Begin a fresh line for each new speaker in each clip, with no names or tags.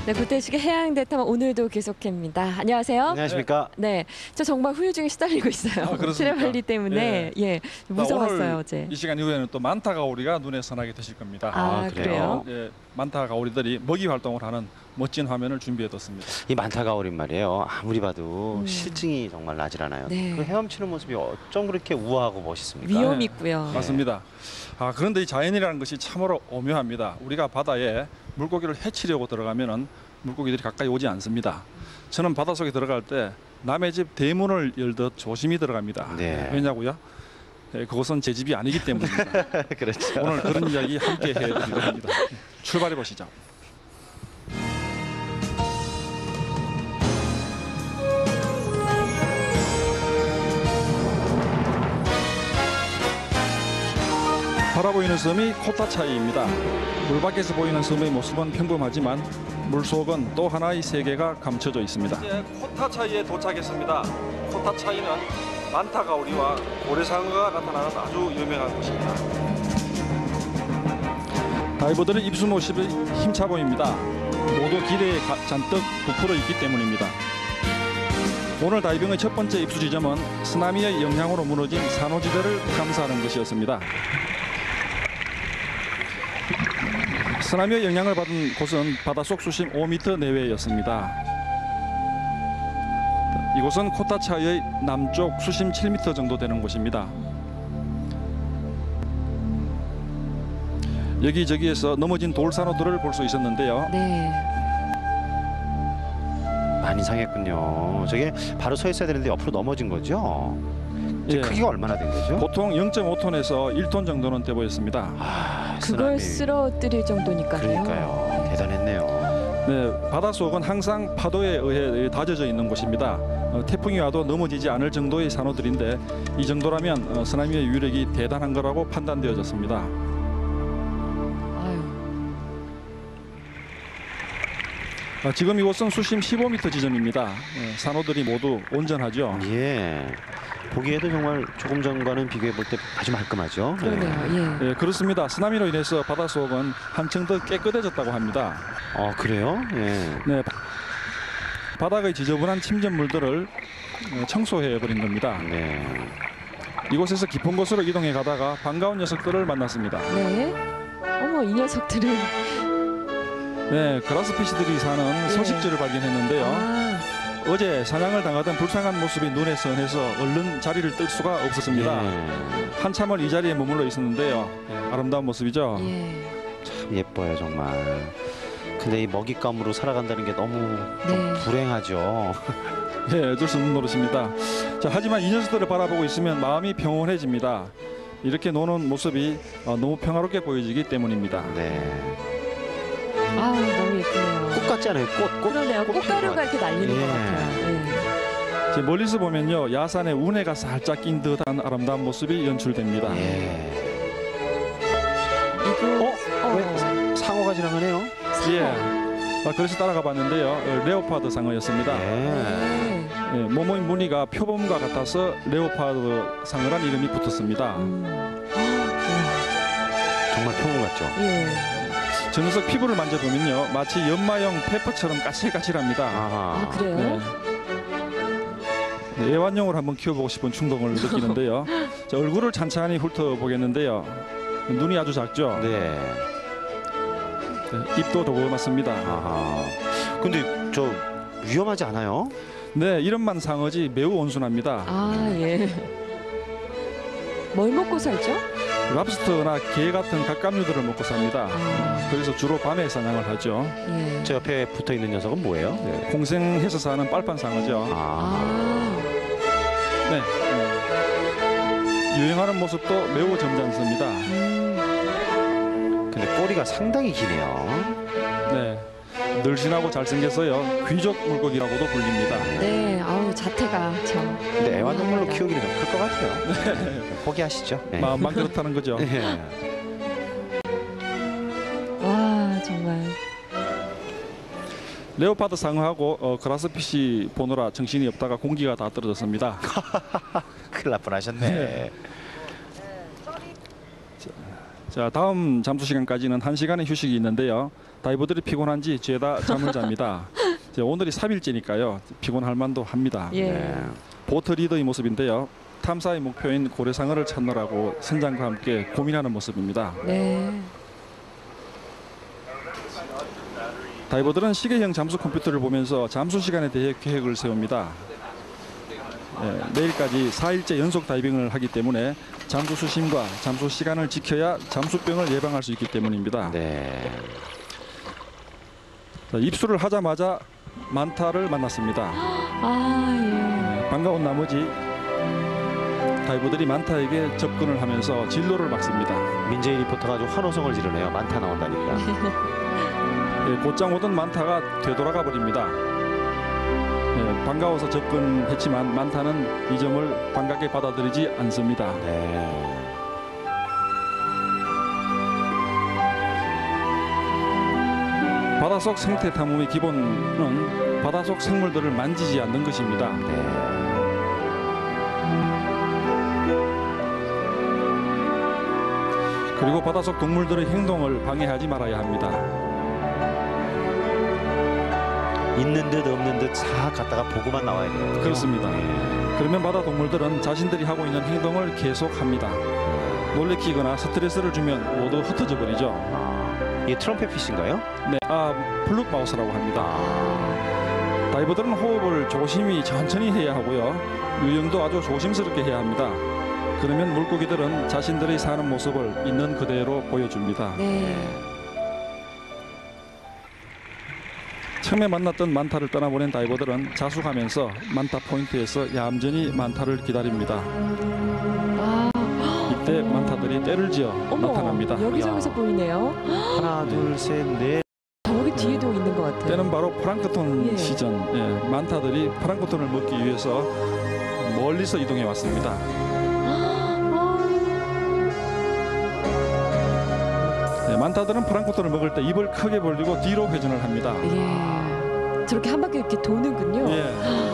네, 구태식의 해양대탐 오늘도 계속합니다. 안녕하세요.
안녕하십니까.
네, 저 정말 후유증에 시달리고 있어요.
그렇습니까?
트레발리 때문에 예, 무서웠어요
오늘
어제.
이 시간 이후에는 또 만타 가오리가 눈에 선하게 되실 겁니다.
아, 그래요?
예, 만타 가오리들이 먹이 활동을 하는 멋진 화면을 준비해뒀습니다.
이 만타가오린 말이에요. 아무리 봐도 실증이 정말 나질 않아요.
네.
그 헤엄치는 모습이 어쩜 그렇게 우아하고 멋있습니까?
위험
네.
있고요.
맞습니다. 그런데 이 자연이라는 것이 참으로 오묘합니다. 우리가 바다에 물고기를 해치려고 들어가면은 물고기들이 가까이 오지 않습니다. 저는 바닷속에 들어갈 때 남의 집 대문을 열듯 조심히 들어갑니다.
네.
왜냐고요? 예, 그것은 제 집이 아니기 때문입니다.
그렇죠.
오늘 그런 이야기 함께 해드리려고 합니다. 출발해 보시죠. 바라보이는 섬이 코타차이입니다. 물 밖에서 보이는 섬의 모습은 평범하지만 물속은 또 하나의 세계가 감춰져 있습니다. 이제 코타차이에 도착했습니다. 코타차이는 만타가오리와 고래상어가 나타나는 아주 유명한 곳입니다. 다이버들의 입수 모습이 힘차 보입니다. 모두 기대에 잔뜩 부풀어 있기 때문입니다. 오늘 다이빙의 첫 번째 입수 지점은 쓰나미의 영향으로 무너진 산호지대를 감사하는 것이었습니다. 쓰나미의 영향을 받은 곳은 바닷속 수심 5m 내외였습니다. 이곳은 코타차이의 남쪽 수심 7m 정도 되는 곳입니다. 여기저기에서 넘어진 돌산호들을 볼 수 있었는데요.
네.
많이 상했군요. 저게 바로 서 있어야 되는데 옆으로 넘어진 거죠?
예.
크기가 얼마나 된 거죠?
보통 0.5톤에서 1톤 정도는 돼 보였습니다.
그걸
쓰나미.
쓰러뜨릴 정도니까요.
그러니까요. 대단했네요.
네, 바닷속은 항상 파도에 의해 다져져 있는 곳입니다. 태풍이 와도 넘어지지 않을 정도의 산호들인데 이 정도라면 쓰나미의 위력이 대단한 거라고 판단되어졌습니다.
아유.
지금 이곳은 수심 15m 지점입니다. 산호들이 모두 온전하죠.
예. 보기에도 정말 조금 전과는 비교해 볼 때 아주 말끔하죠.
그러네요. 예.
예, 그렇습니다. 쓰나미로 인해서 바닷속은 한층 더 깨끗해졌다고 합니다.
그래요? 예.
네, 바닥의 지저분한 침전물들을 청소해버린 겁니다.
네.
이곳에서 깊은 곳으로 이동해 가다가 반가운 녀석들을 만났습니다.
네. 어머, 이 녀석들은
네, 그라스피시들이 사는 서식지를 발견했는데요.
아,
어제 사냥을 당하던 불쌍한 모습이 눈에 선해서 얼른 자리를 뜰 수가 없었습니다.
예.
한참을 이 자리에 머물러 있었는데요. 아름다운 모습이죠.
예.
참 예뻐요 정말. 근데 이 먹잇감으로 살아간다는 게 너무 좀
네.
불행하죠.
예, 어쩔 수 없는 노릇입니다. 자, 하지만 이 녀석들을 바라보고 있으면 마음이 평온해집니다. 이렇게 노는 모습이 너무 평화롭게 보여지기 때문입니다.
네.
아, 너무 예쁘네요.
꽃 같지 않아요? 꽃.
그러네요.
꽃 피는
꽃가루가
것
이렇게 날리는
예.
것 같아요. 예.
제 멀리서 보면요, 야산에 운해가 살짝 낀 듯한 아름다운 모습이 연출됩니다.
예.
이거
상어가 지나가네요.
예. 그래서 따라가 봤는데요. 레오파드 상어였습니다.
예.
네.
예, 몸의 무늬가 표범과 같아서 레오파드 상어란 이름이 붙었습니다.
정말 평온 같죠.
예.
저 녀석 피부를 만져보면요, 마치 연마용 페퍼처럼 까칠까칠합니다.
아하.
아, 그래요?
네. 네, 애완용을 한번 키워보고 싶은 충동을 느끼는데요. 자, 얼굴을 찬찬히 훑어보겠는데요. 눈이 아주 작죠.
네.
네, 입도 조그맣습니다.
아하. 근데 저 위험하지 않아요?
네, 이름만 상어지 매우 온순합니다.
아, 예. 뭘 먹고 살죠?
랍스터나 게 같은 갑각류들을 먹고 삽니다.
아,
그래서 주로 밤에 사냥을 하죠.
예.
저 옆에 붙어 있는 녀석은 뭐예요?
네, 공생해서 사는 빨판 상어죠.
아.
네. 유행하는 모습도 매우 점잖습니다.
근데 꼬리가 상당히 기네요.
네. 늘씬하고 잘생겨서요, 귀족 물고기라고도 불립니다.
네, 아우 자태가 참.
근데 애완동물로
훌륭합니다.
키우기는 좀 클 것 같아요. 포기하시죠. 네.
마음만 그렇다는 거죠.
예.
와, 정말.
레오파드 상어하고 그라스피시 보느라 정신이 없다가 공기가 다 떨어졌습니다.
큰일 날 뻔하셨네.
자, 다음 잠수 시간까지는 1시간의 휴식이 있는데요. 다이버들이 피곤한지 죄다 잠을 잡니다. 이제 오늘이 3일째니까요. 피곤할 만도 합니다.
예.
네.
보트 리더의 모습인데요. 탐사의 목표인 고래상어를 찾느라고 선장과 함께 고민하는 모습입니다.
네.
다이버들은 시계형 잠수 컴퓨터를 보면서 잠수 시간에 대해 계획을 세웁니다. 내일까지 4일째 연속 다이빙을 하기 때문에 잠수 수심과 잠수 시간을 지켜야 잠수병을 예방할 수 있기 때문입니다.
네.
자, 입수를 하자마자 만타를 만났습니다.
아,
반가운 나머지 다이버들이 만타에게 접근을 하면서 진로를 막습니다.
민재희 리포터가 아주 환호성을 지르네요. 많다 나온다니까.
곧장 오던 만타가 되돌아가 버립니다. 반가워서 접근했지만 만타는 이 점을 반갑게 받아들이지 않습니다.
네.
바닷속 생태 탐험의 기본은 바닷속 생물들을 만지지 않는 것입니다.
네.
그리고 바닷속 동물들의 행동을 방해하지 말아야 합니다.
있는 듯 없는 듯 싹 갔다가 보고만 나와야 돼요.
그렇습니다.
네.
그러면 바다 동물들은 자신들이 하고 있는 행동을 계속합니다. 놀래키거나 스트레스를 주면 모두 흩어져 버리죠.
이게 트럼펫 피쉬인가요?
네, 블룩 마우스라고 합니다. 다이버들은 호흡을 조심히 천천히 해야 하고요. 유영도 아주 조심스럽게 해야 합니다. 그러면 물고기들은 자신들이 사는 모습을 있는 그대로 보여줍니다.
네.
처음에 만났던 만타를 떠나보낸 다이버들은 자숙하면서 만타 포인트에서 얌전히 만타를 기다립니다.
아,
이때 만타들이 때를 지어
어머,
나타납니다.
여기저기서 보이네요.
하나, 둘, 셋, 넷.
저기 뒤에도 있는 것 같아요.
때는 바로 플랑크톤
예.
시전. 만타들이 플랑크톤을 먹기 위해서 멀리서 이동해 왔습니다. 만타들은 플랑크톤을 먹을 때 입을 크게 벌리고 뒤로 회전을 합니다.
예. 저렇게 한 바퀴 이렇게 도는군요.
예.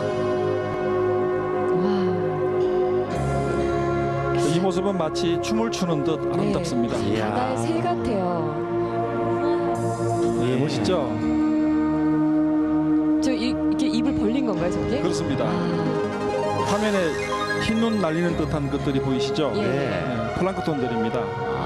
와.
이 모습은 마치 춤을 추는 듯 아름답습니다.
네.
이야.
바다의 새 같아요.
네, 멋있죠?
이렇게 입을 벌린 건가요, 저게?
그렇습니다.
아,
화면에 흰눈 날리는 듯한 것들이 보이시죠?
예.
네.
플랑크톤들입니다.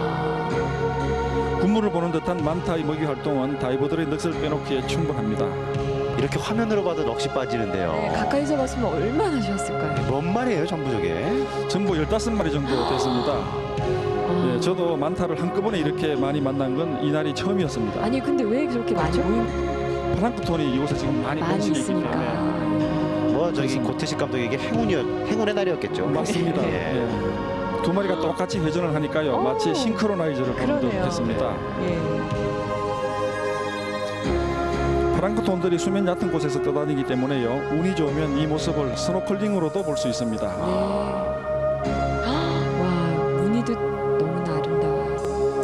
군무를 보는 듯한 만타의 먹이 활동은 다이버들의 넋을 빼놓기에 충분합니다.
이렇게 화면으로 봐도 넋이 빠지는데요.
네, 가까이서 봤으면 얼마나 좋았을까요?
뭔 말이에요, 전부 저게?
전부 15마리 정도 됐습니다.
아.
예, 저도 만타를 한꺼번에 이렇게 많이 만난 건 이날이 처음이었습니다.
아니 근데 왜 그렇게 많이
플랑크톤이 이곳에 지금 많이
많이
번식해 있기
있으니까.
때문에.
뭐 저기 고태식 감독에게 행운의 날이었겠죠.
맞습니다.
예.
예. 두 마리가 똑같이 회전을 하니까요.
오.
마치 싱크로나이저를 보는 듯
그러네요.
했습니다.
예.
플랑크톤들이 수면 얕은 곳에서 떠다니기 때문에요. 운이 좋으면 이 모습을 스노클링으로도 볼 수 있습니다.
네. 와, 무늬도 너무나 아름다워요.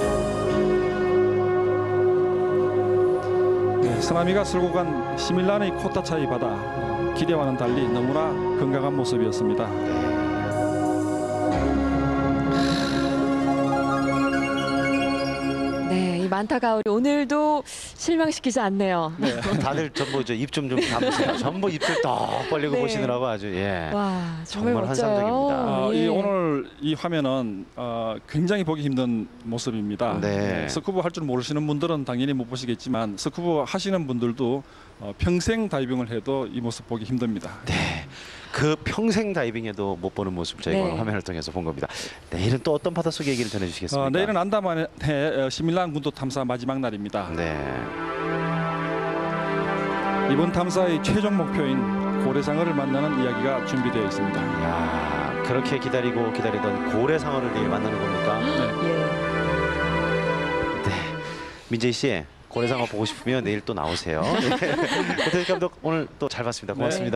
네, 쓰나미가 쓸고 간 시밀란의 코타차이 바다, 기대와는 달리 너무나 건강한 모습이었습니다.
네, 이 만타 가을이 오늘도 실망시키지 않네요.
네.
다들 전부 입 좀 담으세요. 전부 입술 떡 벌리고
네.
보시느라고 아주 예.
와, 정말
정말
멋져요.
환상적입니다.
예.
오늘 이 화면은 굉장히 보기 힘든 모습입니다.
네.
스쿠버 할 줄 모르시는 분들은 당연히 못 보시겠지만 스쿠버 하시는 분들도 평생 다이빙을 해도 이 모습 보기 힘듭니다.
네. 그 평생 다이빙해도 못 보는 모습 저희가
네.
오늘 화면을 통해서 본 겁니다. 내일은 또 어떤 바닷속 얘기를 전해주시겠습니까?
내일은 안다만의 시밀란 군도 탐사 마지막 날입니다.
네.
이번 탐사의 최종 목표인 고래상어를 만나는 이야기가 준비되어 있습니다.
야, 그렇게 기다리던 고래상어를 내일 만나는 겁니까?
네.
예.
네. 민재희 씨, 고래상어 보고 싶으면 내일 또 나오세요. 고태식 감독 오늘 또 잘 봤습니다. 고맙습니다.